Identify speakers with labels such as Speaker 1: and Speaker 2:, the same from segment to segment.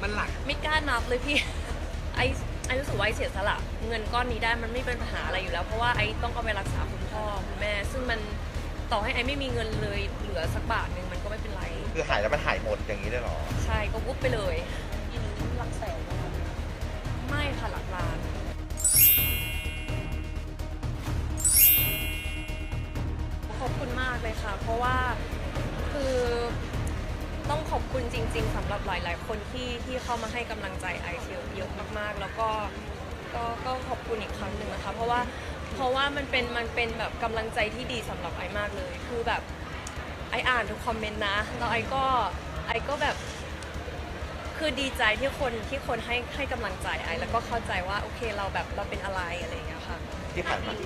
Speaker 1: มันหลัก
Speaker 2: ไม่กล้านับเลยพี่ไอรู้สึกว่าไอเสียสละเงินก้อนนี้ได้มันไม่เป็นปัญหาอะไรอยู่แล้วเพราะว่าไอต้องเอาไปรักษาคุณพ่อคุณแม่ซึ่งมันต่อให้ไอไม่มีเงินเลยเหลือสักบาทหนึ่งมันก็ไม่เป็นไร
Speaker 3: คือหายแล้วมันหายหมดอย่างนี้ได้หรอ
Speaker 2: ใช่ก็วุบไปเลย
Speaker 4: ทีนี้หลักแสนนะคะ
Speaker 2: ไม่ค่ะหลักล้านขอบคุณมากเลยค่ะเพราะว่าคือต้องขอบคุณจริงๆสำหรับหลายๆคนที่เข้ามาให้กำลังใจไอซ์เยอะมากๆแล้วก็ขอบคุณอีกครั้งหนึ่งนะคะเพราะว่ามันเป็นแบบกำลังใจที่ดีสำหรับไอซ์มากเลยคือแบบไอซ์อ่านทุกคอมเมนต์นะแล้วไอซ์ก็แบบคือดีใจที่คนให้กำลังใจไอซ์แล้วก็เข้าใจว่าโอเคเราแบบเราเป็นอะไรอะไรอย่างเงี้ยค่ะ
Speaker 3: ที่ผ่านมา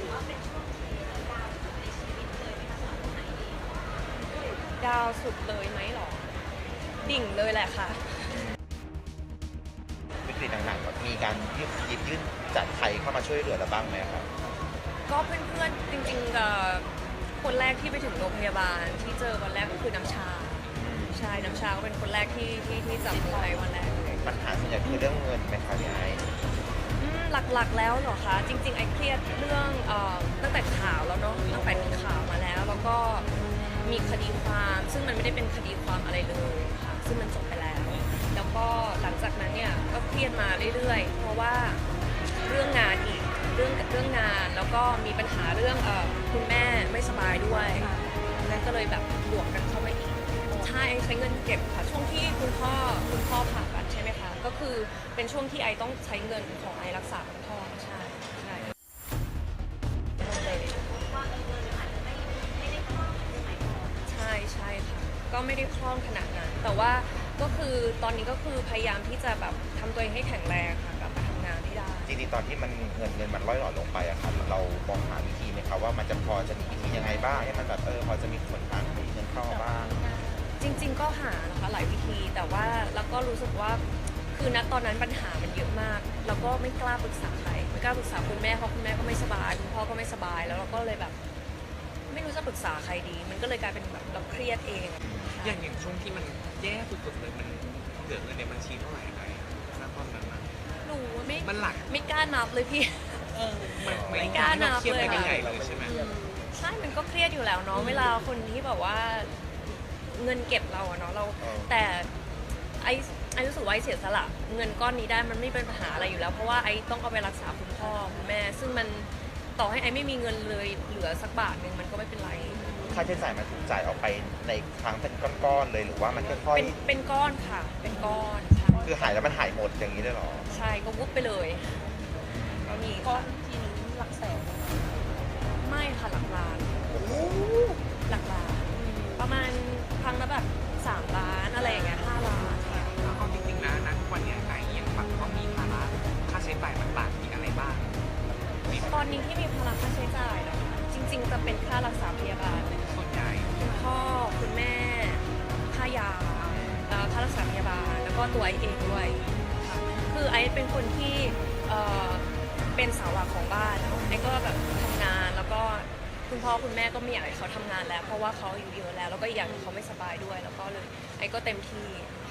Speaker 2: ดาวสุดเลยไหมหรอดิ่งเลยแหละค่ะ
Speaker 3: วิกฤตหนักๆมีการยื่นจากใครเข้ามาช่วยเหลือเราบ้างไหมครับ
Speaker 2: ก็เพื่อนๆจริงๆคนแรกที่ไปถึงโรงพยาบาลที่เจอวันแรกก็คือน้ำชาใช่น้ำชาก็เป็นคนแรกที่จับมือไอวันแรกเลย
Speaker 3: ปัญหาส่วนใหญ่คือเรื่องเงินไหมคะพี่ไอ้
Speaker 2: หลักๆแล้วเหรอคะจริงๆไอเครียดเรื่องตั้งแต่ข่าวแล้วเนาะตั้งแต่มีข่าวมาแล้วก็มีคดีความซึ่งมันไม่ได้เป็นคดีความอะไรเลยค่ะซึ่งมันจบไปแล้วแล้วก็หลังจากนั้นเนี่ยก็เครียดมาเรื่อยๆเพราะว่าเรื่องงานอีกเรื่องงานแล้วก็มีปัญหาเรื่องคุณแม่ไม่สบายด้วยนั่นก็เลยแบบบวกกันเข้ามาอีกใช้เงินเก็บค่ะช่วงที่คุณพ่อผ่าตัดใช่ไหมคะก็คือเป็นช่วงที่ไอต้องใช้เงินของไอรักษาคุณพ่อใช่ใช่ค่ะก็ไม่ได้คล่องขนาดนั้นแต่ว่าก็คือตอนนี้ก็คือพยายามที่จะแบบทำตัวเองให้แข็งแรงค่ะกลับมาทำงานให้ได้
Speaker 3: จริงๆตอนที่มันเงินมันร่อยหล่อลงไปอะครับเรามองหาวิธีไหมครับว่ามันจะพอจะมีวิธียังไงบ้างให้มันแบบพอจะมีส่วนทางให้เงินเข้ามาบ้าง
Speaker 2: จริงๆก็หานะคะหลายวิธีแต่ว่าแล้วก็รู้สึกว่าคือณตอนนั้นปัญหามันเยอะมากแล้วก็ไม่กล้าปรึกษาใครไม่กล้าปรึกษาคุณแม่เพราะคุณแม่ก็ไม่สบายคุณพ่อก็ไม่สบายแล้วเราก็เลยแบบไม่รู้จะปรึกษาใครดีมันก็เลยกลายเป็นแบบเราเครียดเอง
Speaker 1: อย่างช่วงที่มันแย่สุดๆเลยมันเหลือเงินในบัญชีเท่าไหร่ไงณตอนนั้น
Speaker 2: หนู
Speaker 1: มันหลัก
Speaker 2: ไม่กล้านับเลยพี่ไม่กล้านับเลย
Speaker 1: ค่ะใช่ไหม
Speaker 2: ใช่มันก็เครียดอยู่แล้วเนาะเวลาคนที่แบบว่าเงินเก็บเราอะเนาะเราแต่ไอรู้สึกว่าไอเสียสละเงินก้อนนี้ได้มันไม่เป็นปัญหาอะไรอยู่แล้วเพราะว่าไอต้องเอาไปรักษาคุณพ่อคุณแม่ซึ่งมันต่อให้ไอไม่มีเงินเลยเหลือสักบาทหนึ่งมันก็ไม่เป็นไร
Speaker 3: ค่าใช้จ่ายมันถูกจ่ายออกไปในครั้งเป็นก้อนๆเลยหรือว่ามันค่อย
Speaker 2: ๆเป็นก้อนค่ะเป็นก้อน
Speaker 3: คือหายแล้วมันหายหมดอย่างนี้ได้หรอ
Speaker 2: ใช่ก็วุบไปเลยก็มี
Speaker 4: ก้อนทีนี้หลักแสนนะคะ
Speaker 2: ไม่ค่ะหลักล้านหลักล้านประมาณครั้งละแบบ3 ล้านอะไรอย่างเงี้ย5 ล้านค่ะ
Speaker 1: แล้วเอาจริงๆนะทุกวันนี้ไอ้ยังแบบต้องมีภาระค่าใช้จ่ายต่างๆมีอะไรบ้าง
Speaker 2: ตอนนี้ที่มีภาระค่าใช้จ่ายนะคะจริงๆจะเป็นค่ารักษาพยาบาล
Speaker 1: ส่วนใหญ่
Speaker 2: คุณพ่อคุณแม่ค่ายาค่ารักษาพยาบาลแล้วก็ตัวไอเองด้วยค่ะคือไอเป็นคนที่เป็นเสาหลักของบ้านไอก็แบบทำงานแล้วก็คุณพ่อคุณแม่ก็ไม่อยากให้เขาทำงานแล้วเพราะว่าเขาอายุเยอะแล้วก็อีกอย่างเขาไม่สบายด้วยแล้วก็เลยไอก็เต็มที่